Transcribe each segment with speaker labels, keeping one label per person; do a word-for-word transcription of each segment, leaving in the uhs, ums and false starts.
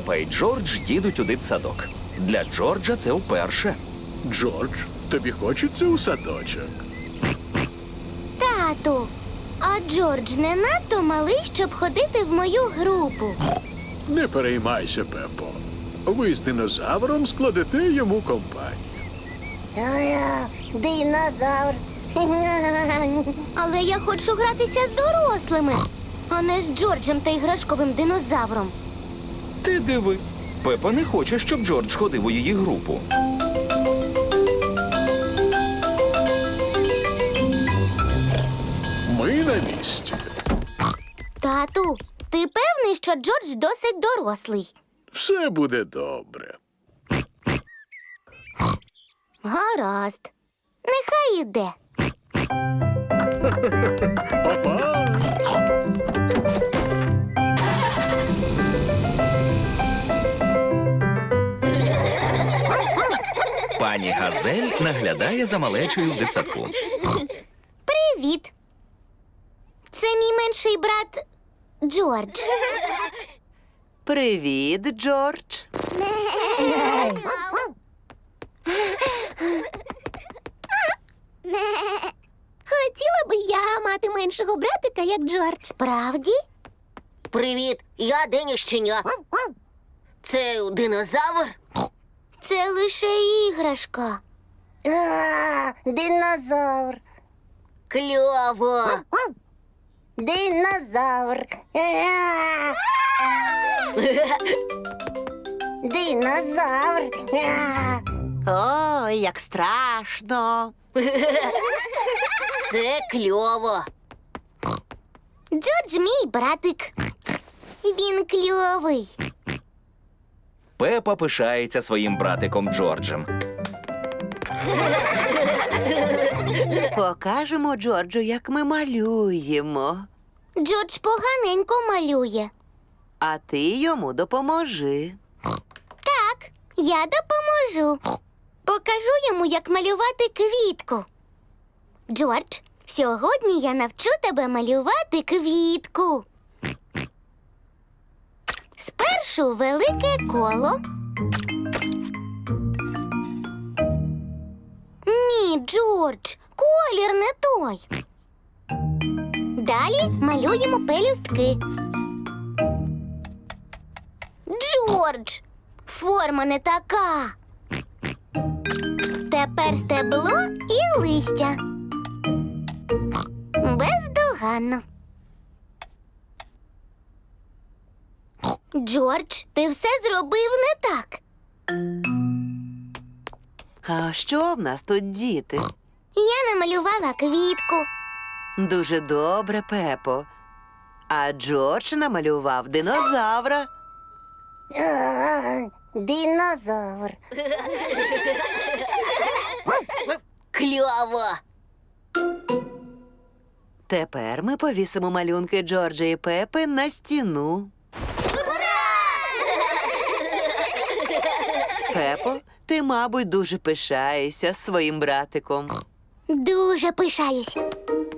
Speaker 1: Пепа і Джордж їдуть у дитсадок. Для Джорджа це вперше.
Speaker 2: Джордж, тобі хочеться у садочок?
Speaker 3: Тату, а Джордж не надто малий, щоб ходити в мою групу.
Speaker 2: Не переймайся, Пепо. Ви з динозавром складете йому компанію.
Speaker 3: Динозавр. Але я хочу гратися з дорослими, а не з Джорджем та іграшковим динозавром.
Speaker 1: Ти диви. Пепа не хоче, щоб Джордж ходив у її групу.
Speaker 2: Ми на місці.
Speaker 3: Тату, ти певний, що Джордж досить дорослий?
Speaker 2: Все буде добре.
Speaker 3: Гаразд. Нехай іде.
Speaker 2: Па-па!
Speaker 1: Пані Газель наглядає за малечою в дитсадку.
Speaker 3: Привіт. Це мій менший брат Джордж.
Speaker 4: Привіт, Джордж.
Speaker 3: Хотіла би я мати меншого братика, як Джордж. Справді?
Speaker 5: Привіт, я Дені Щеня. Це динозавр?
Speaker 3: Це лише іграшка.
Speaker 5: А, динозавр. Кльово. Динозавр. А. Динозавр. А.
Speaker 4: Ой, як страшно.
Speaker 5: Це кльово.
Speaker 3: Джордж мій братик. Він кльовий.
Speaker 1: Пепа пишається своїм братиком Джорджем.
Speaker 4: Покажемо Джорджу, як ми малюємо.
Speaker 3: Джордж поганенько малює.
Speaker 4: А ти йому допоможи.
Speaker 3: Так, я допоможу. Покажу йому, як малювати квітку. Джордж, сьогодні я навчу тебе малювати квітку. Спершу велике коло. Ні, Джордж, колір не той. Далі малюємо пелюстки. Джордж, форма не така. Тепер стебло і листя. Бездоганно. Джордж, ти все зробив не так.
Speaker 4: А що в нас тут, діти?
Speaker 3: Я намалювала квітку.
Speaker 4: Дуже добре, Пепо. А Джордж намалював динозавра.
Speaker 5: А, динозавр. Кльово.
Speaker 4: Тепер ми повісимо малюнки Джорджа і Пепи на стіну. Пепо, ти, мабуть, дуже пишаєшся своїм братиком.
Speaker 3: Дуже пишаюся.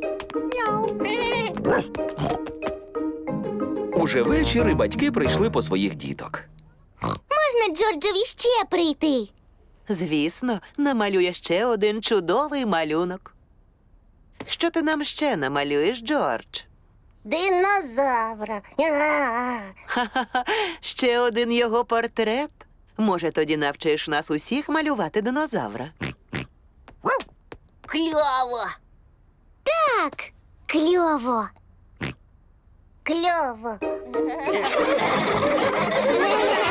Speaker 1: Уже вечір і батьки прийшли по своїх діток.
Speaker 3: Можна Джорджові ще прийти?
Speaker 4: Звісно, намалює ще один чудовий малюнок. Що ти нам ще намалюєш, Джордж?
Speaker 5: Динозавра. А.
Speaker 4: Ха-ха-ха, ще один його портрет. Може, тоді навчиш нас усіх малювати динозавра?
Speaker 5: Кльово.
Speaker 3: Так, кльово.
Speaker 5: Кльово.